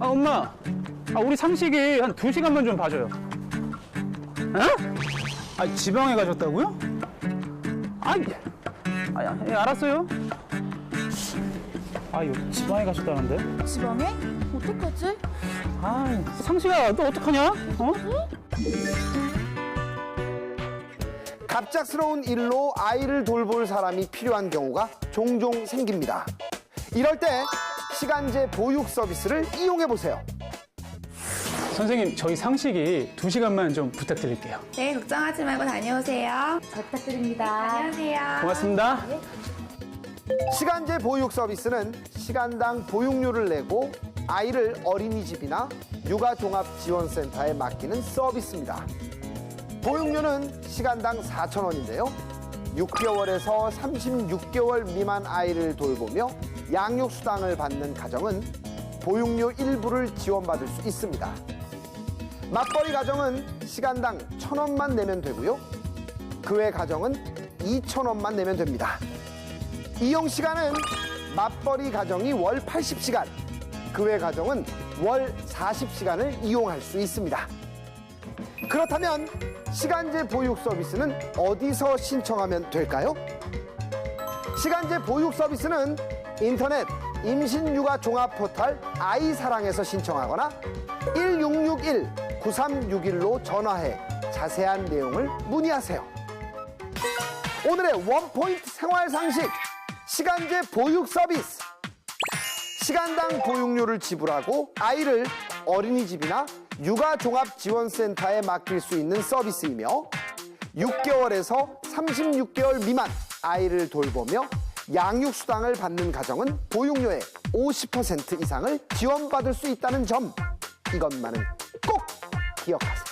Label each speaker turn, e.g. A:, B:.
A: 엄마. 우리 상식이 한 2시간만 좀 봐줘요. 에? 지방에 가셨다고요? 예, 알았어요. 이거 지방에 가셨다는데?
B: 지방에? 어떡하지?
A: 상식아, 너 어떡하냐?
C: 갑작스러운 일로 아이를 돌볼 사람이 필요한 경우가 종종 생깁니다. 이럴 때 시간제 보육 서비스를 이용해 보세요.
A: 선생님, 저희 상식이 2시간만 좀 부탁드릴게요.
D: 네, 걱정하지 말고 다녀오세요.
B: 잘 부탁드립니다.
D: 안녕하세요.
A: 고맙습니다.
C: 시간제 보육 서비스는 시간당 보육료를 내고 아이를 어린이집이나 육아종합지원센터에 맡기는 서비스입니다. 보육료는 시간당 4,000원인데요. 6개월에서 36개월 미만 아이를 돌보며 양육수당을 받는 가정은 보육료 일부를 지원받을 수 있습니다. 맞벌이 가정은 시간당 1,000원만 내면 되고요. 그 외 가정은 2,000원만 내면 됩니다. 이용 시간은 맞벌이 가정이 월 80시간, 그 외 가정은 월 40시간을 이용할 수 있습니다. 그렇다면 시간제 보육 서비스는 어디서 신청하면 될까요? 시간제 보육 서비스는 인터넷 임신육아 종합 포털 아이사랑에서 신청하거나 1661-9361로 전화해 자세한 내용을 문의하세요. 오늘의 원포인트 생활 상식, 시간제 보육 서비스. 시간당 보육료를 지불하고 아이를 어린이집이나 육아종합지원센터에 맡길 수 있는 서비스이며 6개월에서 36개월 미만 아이를 돌보며 양육수당을 받는 가정은 보육료의 50% 이상을 지원받을 수 있다는 점, 이것만은 꼭 기억하세요.